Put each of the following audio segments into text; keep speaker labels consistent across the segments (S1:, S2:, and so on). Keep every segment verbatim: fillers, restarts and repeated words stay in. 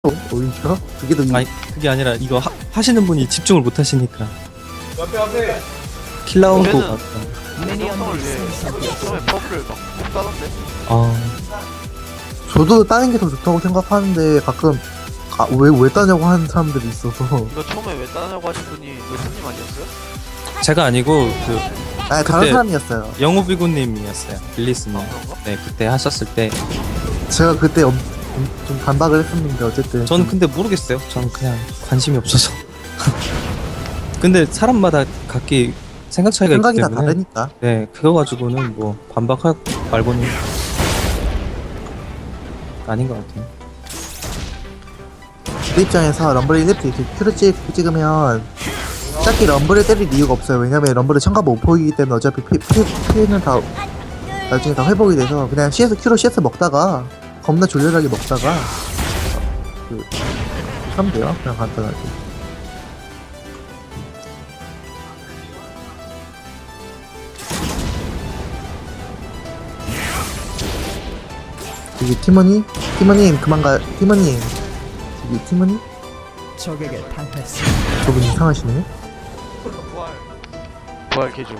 S1: 오히려 그게 더
S2: 아니 그게 아니라 이거 하, 하시는 분이 집중을 못 하시니까
S3: 앞에 앞에
S2: 킬라운도
S4: 얘는-
S2: 같다.
S4: 성성을 위해 처음에 퍼블을 막 따던데.
S2: 아
S1: 저도 따는 게 더 좋다고 생각하는데 가끔 아, 왜, 왜 따냐고 하는 사람들이 있어서
S4: 이거 처음에 왜 따냐고 하신 분이 예수님 아니었어요?
S2: 제가 아니고 그
S1: 아 다른
S2: 그때-
S1: 사람이었어요.
S2: 영우비구님이었어요. 빌리스님.
S4: 아 그런가?
S2: 네 그때 하셨을 때
S1: 제가 그때 엄, 좀, 좀 반박을 했었는데 어쨌든
S2: 저는 근데 모르겠어요. 저는 그냥 관심이 없어서. 근데 사람마다 각기 생각 차이가 있기
S1: 생각이 다
S2: 때문에
S1: 다르니까.
S2: 네 그거 가지고는 뭐 반박할 말고는 아닌 것 같아요.
S1: 그 입장에서 럼블 일리프트 이렇게 큐를 찍, 찍으면 딱히 럼블을 때릴 이유가 없어요. 왜냐면 럼블은 참가 못 보이기 때문에 어차피 피, 피, 피는 다 나중에 다 회복이 돼서 그냥 씨에스 큐로 씨에스 먹다가 겁나 졸렬하게 먹다가 그 하면 돼요. 그냥 간단하게. 여기 티머니? 티머님 그만 가. 티머님 여기 티머니?
S5: 적에게 당했어.
S1: 저분 이상하시네.
S4: 부활. 부활 개조.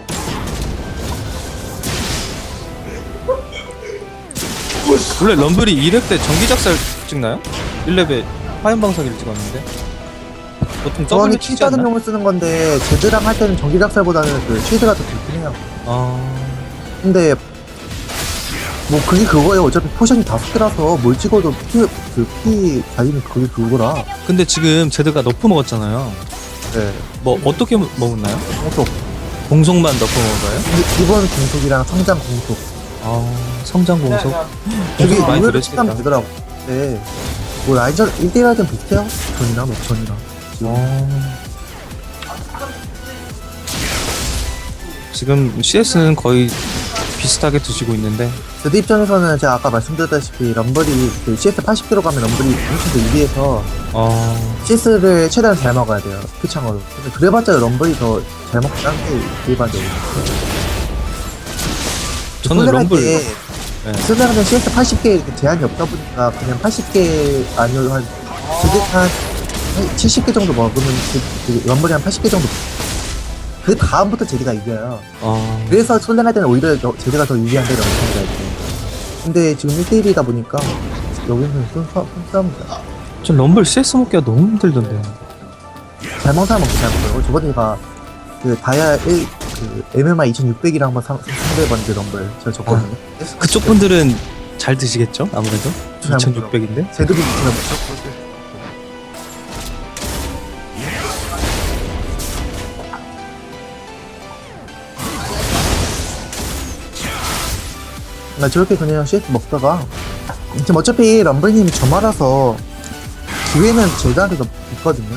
S2: 원래 럼블이 이 렙 때 전기작살 찍나요? 일 렙에 화염방사기를 찍었는데 보통
S1: 저항이
S2: W
S1: 키
S2: 치지
S1: 받은
S2: 않나?
S1: 용을 쓰는 건데 제드랑 할 때는 전기작살보다는 그 쉴드가 더 좋긴 해요.
S2: 아
S1: 근데 뭐 그게 그거예요. 어차피 포션이 다섯 개라서 뭘 찍어도 피, 그 피 달리는 그게 그거라.
S2: 근데 지금 제드가 너프 먹었잖아요.
S1: 네.
S2: 뭐 어떻게 먹- 먹었나요?
S1: 공속.
S2: 공속만 너프 먹어요?
S1: 기- 기본 공속이랑 성장 공속.
S2: 아 성장 공속
S1: 그게
S2: 공속 많이
S1: 의외로
S2: 들으시겠다.
S1: 치면 되더라고. 네. 뭐 라인전 일 대 일 할 땐 비슷해요. 전이랑 녹전이랑.
S2: 어... 지금 씨에스는 거의 비슷하게 드시고 있는데
S1: 제드 입장에서는 제가 아까 말씀드렸다시피 럼블이 그 씨에스 팔십 킬로 가면 럼블이 훨씬 더 유리해서
S2: 어...
S1: 씨에스를 최대한 잘 먹어야 돼요. 피창으로. 근데 그래봤자 럼블이 더 잘 먹다는 게 일반적으로.
S2: 저는
S1: 솔랭할
S2: 럼블
S1: 때
S2: 네.
S1: 솔랭하면 씨에스 팔십 개 이렇게 제한이 없다 보니까 그냥 팔십 개 아니어도 한 제드 한 칠십 개 정도 먹으면 그, 그 럼블이 한 팔십 개 정도. 그 다음부터 제드가 이겨요.
S2: 어...
S1: 그래서 솔랭할 때는 오히려 저- 제드가 더 유리한데 럼블이 할 때. 근데 지금 일 대 일이다 보니까 여기는 손싸움이다.
S2: 전 럼블 씨에스 먹기가 너무 힘들던데.
S1: 잘 먹는 사람은 잘 먹어요. 저번에 제가 그 다이아 일, 그 엠엠아이 이천육백이랑 한번 상- 상대해봤는데 럼블 제가 졌거든요.
S2: 그쪽 분들은 잘 드시겠죠? 아무래도
S1: 잘
S2: 이천육백인데
S1: 제드도 제가 못 나 저렇게 그냥 씨에스 먹다가 지금 어차피 럼블님이 저 말아서 기회는 제드한테 더 있거든요.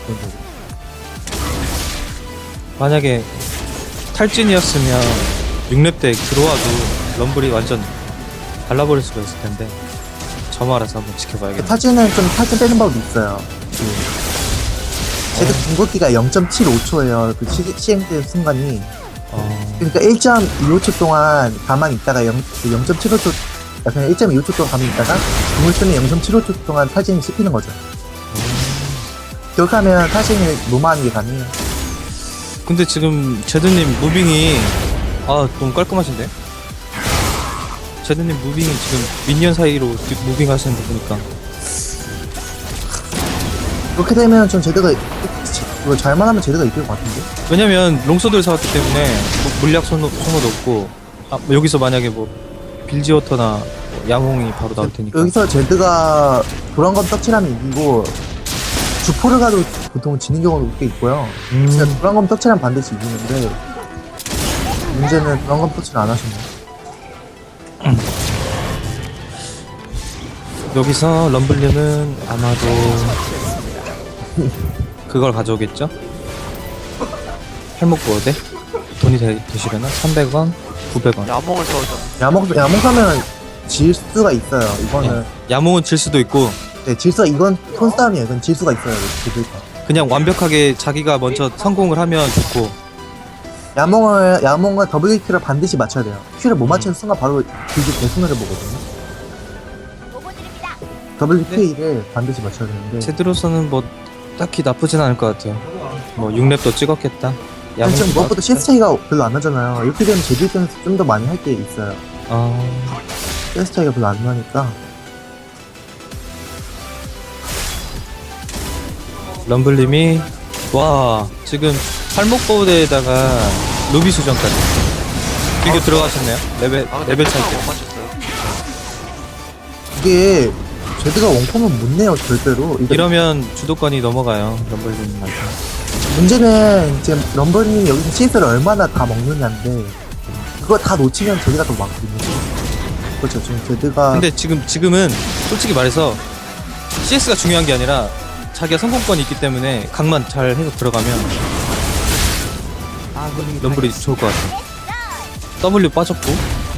S2: 만약에 탈진이었으면 육 렙 때 들어와도 럼블이 완전 발라버릴 수가 있을 텐데 저 말아서 한번 지켜봐야겠네.
S1: 타진은 좀 타진 빼는 법이 있어요. 그 제드 궁극기가 영 점 칠오 초예요. 그 시, 시행된 순간이.
S2: 어...
S1: 그러니까 일 점 이오 초 동안 가만히 있다가 영 점 칠오 초, 그냥 일 점 이오 초 동안 가만히 있다가 궁을 쓰면 영 점 칠오 초 동안 타진이 씹히는 거죠. 그렇게 하면 타진을 무마하는 게 가능해요.
S2: 근데 지금 제드님 무빙이 아 너무 깔끔하신데? 제드님 무빙이 지금 미니언 사이로 뒤- 무빙 하시는 거 보니까
S1: 그렇게 되면 전 제드가 이거 잘만 하면 제드가 이길 것 같은데.
S2: 왜냐면 롱소드를 사왔기 때문에 뭐 물약 소모, 소모도 없고 아, 뭐 여기서 만약에 뭐 빌지워터나 뭐 야몽이 바로 나올 테니까
S1: 여기서 제드가 도란검 떡칠하면 이기고 주포를 가도 보통 지는 경우도 꽤 있고요.
S2: 음,
S1: 진짜 도란검 떡칠하면 반드시 이기는데 문제는 도란검 떡칠 안 하시네.
S2: 여기서 럼블님은 아마도 그걸 가져오겠죠? 팔목보호대? 돈이 되, 되시려나? 삼백 원? 구백 원
S4: 야몽을 써서.
S1: 야목 야목 사면 질 수가 있어요. 이거는
S2: 야몽은 질 수도 있고
S1: 네, 질서 이건 손싸움이에요. 이건 질 수가 있어요. 제드가.
S2: 그냥 완벽하게 자기가 먼저 성공을 하면 좋고
S1: 야몽을 야몽은 더블 킬을 반드시 맞춰야 돼요. 킬을 못 맞추는 순간 바로 길게 대순을 보거든요. 더블유케이를 반드시 맞춰야 되는데
S2: 제드로서는 뭐 딱히 나쁘진 않을 것 같아요. 뭐 육 렙도 찍었겠다.
S1: 아니,
S2: 야무질
S1: 지금
S2: 것
S1: 무엇보다
S2: 같아.
S1: 씨에스 차이가 별로 안 나잖아요. 이렇게 되면 제드 입장에서 좀 더 많이 할 게 있어요.
S2: 아,
S1: 씨에스 차이가 별로 안 나니까.
S2: 럼블님이 와 지금 팔목보드에다가 루비 수정까지 이거 들어가셨네요. 레벨
S4: 아 근데
S2: 레벨
S4: 패턴
S2: 차이
S4: 못
S2: 때.
S4: 맞췄어요.
S1: 이게 제드가 원콤은 못 내요, 절대로. 이게
S2: 이러면 주도권이 넘어가요 럼블님한테.
S1: 문제는 지금 럼버님이 여기서 씨에스를 얼마나 다 먹느냐인데 그거 다 놓치면 제드가 더 많거든요. 그렇죠. 지금 제드가
S2: 근데 지금 지금은 솔직히 말해서 씨에스가 중요한 게 아니라 자기가 성공권이 있기 때문에 각만 잘 해서 들어가면
S5: 아군이
S2: 럼블이
S5: 당했습니다.
S2: 좋을 것 같아. W 빠졌고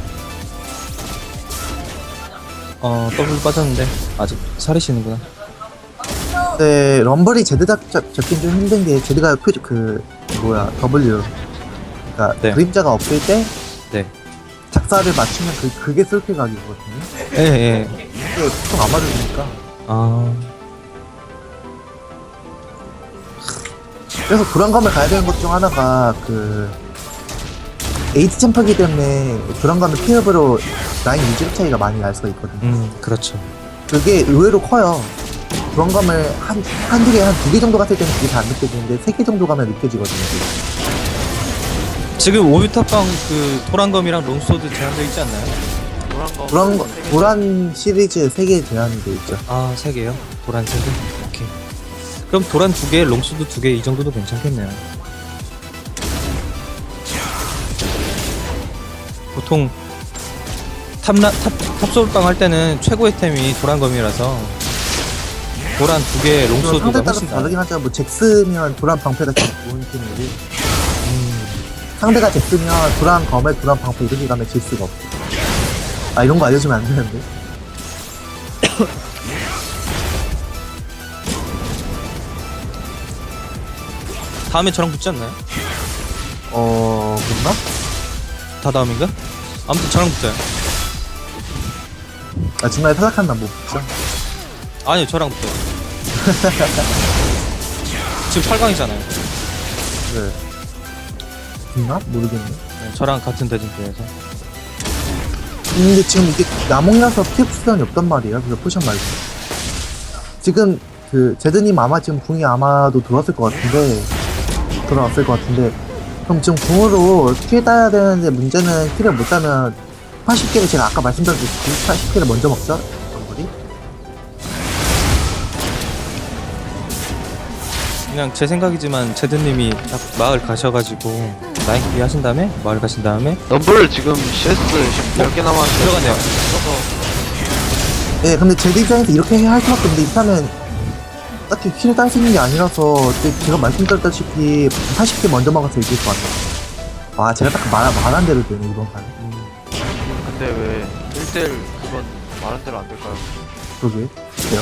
S2: 어 W 빠졌는데 아직 살으시는구나.
S1: 네, 럼블이 제드 잡, 잡, 잡긴 좀 힘든 게 제드가 표, 그 뭐야 W 그러니까
S2: 네.
S1: 그림자가 없을 때
S2: 네.
S1: 작사를 맞추면 그, 그게 솔킬 각이거든요.
S2: 예예.
S1: 이게 보통 안 맞아주니까.
S2: 아
S1: 그래서 불안감을 가야 되는 것 중 하나가 그 에이트 챔퍼기 때문에 불안감을 피업으로 라인 유지 차이가 많이 날 수가 있거든요.
S2: 음 그렇죠.
S1: 그게 의외로 커요. 불안감을 한, 한두 개, 한 두 개 정도 갔을 때는 그게 잘 안 느껴지는데 세 개 정도 가면 느껴지거든요.
S2: 지금 오비타빵 그 도란검이랑 롱소드 제한되어 있지 않나요?
S4: 노란 거.
S1: 도란, 도란 시리즈 세 개 제한이 돼 있죠.
S2: 아 세 개요? 도란 세 개? 오케이. 그럼 도란 두 개, 롱소드 두 개 이 정도도 괜찮겠네요. 보통 탑라 탑 탑솔빵 할 때는 최고의 템이 도란검이라서 도란 두 개,
S1: 물론
S2: 롱소드가
S1: 상대 따라서
S2: 훨씬 나아요.
S1: 다르긴 하죠. 뭐 잭스면 도란 방패가 제일 좋은 팀이고
S2: 음,
S1: 상대가 잭스면 도란 검에 도란 방패 이렇게 가면 질 수가 없어. 아 이런 거 알려주면 안 되는데.
S2: 다음에 저랑 붙지 않나요?
S1: 어 그런가?
S2: 다 다음인가? 아무튼 저랑 붙어요.
S1: 아 중간에 탈락한 난못 붙죠.
S2: 아니요 저랑 붙어요. 지금 팔 강이잖아요.
S1: 네. 있나? 모르겠네.
S2: 네, 저랑 같은 대진표에서.
S1: 근데 지금 이게 남홍이라서 피해 수단이 없단 말이에요. 그래서 포션 말고. 지금 그 제드님 아마 지금 궁이 아마도 들어왔을 것 같은데 들어왔을 것 같은데 그럼 지금 궁으로 킬 따야 되는데 문제는 킬을 못 따면 팔십 개를 제가 아까 말씀드렸듯이 팔십 개를 먼저 먹죠? 럼블이?
S2: 그냥 제 생각이지만 제드님이 딱 마을 가셔가지고 라인 클리 하신 다음에 마을 가신 다음에
S4: 럼블 지금 씨에스 지금 열 개 남았는데.
S2: 들어갔네요.
S4: 써서
S1: 네, 근데 제드 입장에서 이렇게 할 수밖에 없는데 일단은 딱히 킬을 딸 수 있는 게 아니라서 제가 말씀드렸다시피 팔십 개 먼저 먹어서 이길 것 같아요. 아, 제가 딱 말, 말한 대로 되네, 이번 판.
S4: 근데 왜 일 대 일 그건 말한 대로 안 될까요?
S1: 그러게. 그래요?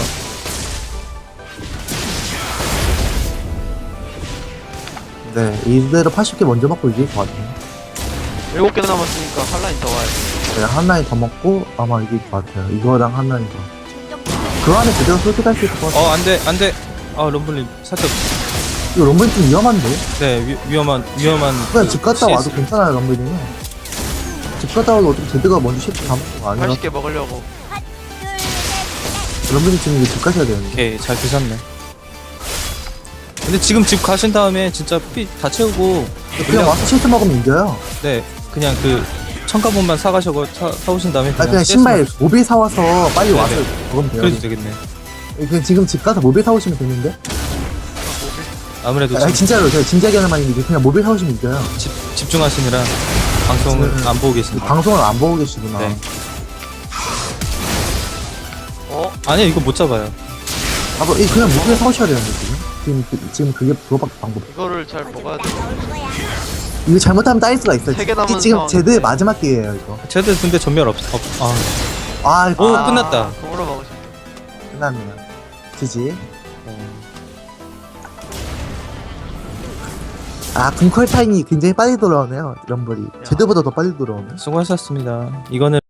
S1: 네, 이대로 팔십 개 먼저 먹고 이길 것 같아요.
S4: 일곱 개 남았으니까 한 라인 더 와야 돼.
S1: 네, 한 라인 더 먹고 아마 이길 것 같아요. 이거랑 한 라인 더. 그 안에 제대로 솔직할 수 있을 것 같아요.
S2: 어 안돼 안돼 아 럼블님 살짝
S1: 이거 럼블이 좀 위험한데?
S2: 네 위, 위험한 위험한
S1: 그냥 집 갔다 와도
S2: 씨에스.
S1: 괜찮아요, 럼블이는. 집 갔다 와도 어차피 제드가 먼저 셰프 다 먹는 거 아니라
S4: 팔십 개 먹으려고.
S1: 럼블이 지금 이제 집 가셔야 되는데.
S2: 오케이 잘 드셨네. 근데 지금 집 가신 다음에 진짜 피 다 채우고
S1: 그냥
S2: 그냥
S1: 와서 셰프 먹으면 이겨요.
S2: 네 그냥 그 첨가본만 사가시고 사, 사오신 다음에
S1: 아, 그냥
S2: 씨에스
S1: 신발 모빌 사와서 빨리
S2: 네네.
S1: 와서 먹으면 돼요.
S2: 그래도 되겠네.
S1: 그냥 지금 집 가서 모빌 사오시면 되는데?
S2: 아무래도
S1: 아,
S2: 지금
S1: 진짜로, 제가 진지하게 하는 말인데 그냥 모빌 사오시면 이겨요.
S2: 집, 집중하시느라 방송을
S1: 지금
S2: 안 보고 계십니다.
S1: 방송을 안 보고 계시구나.
S2: 네.
S4: 어?
S2: 아니요 이거 못 잡아요.
S1: 아, 뭐, 이 그냥 모빌 사오셔야 되는데, 지금? 지금, 그, 지금 그게 그거밖에 방법.
S4: 이거를 잘 먹어야 돼.
S1: 이거 잘못하면 따일 수가 있어요.
S4: 세개 남은
S1: 이- 지금
S4: 상황인데.
S1: 제드의 마지막 기회예요, 이거.
S2: 쟤들 근데 전멸 없, 없 아.
S1: 아, 이거
S2: 오, 끝났다.
S4: 공으로 먹으시.
S1: 끝났네요. 지지. 아, 궁컬 타임이 굉장히 빨리 돌아오네요, 럼블이. 제드보다 더 빨리 돌아오네.
S2: 수고하셨습니다. 이거는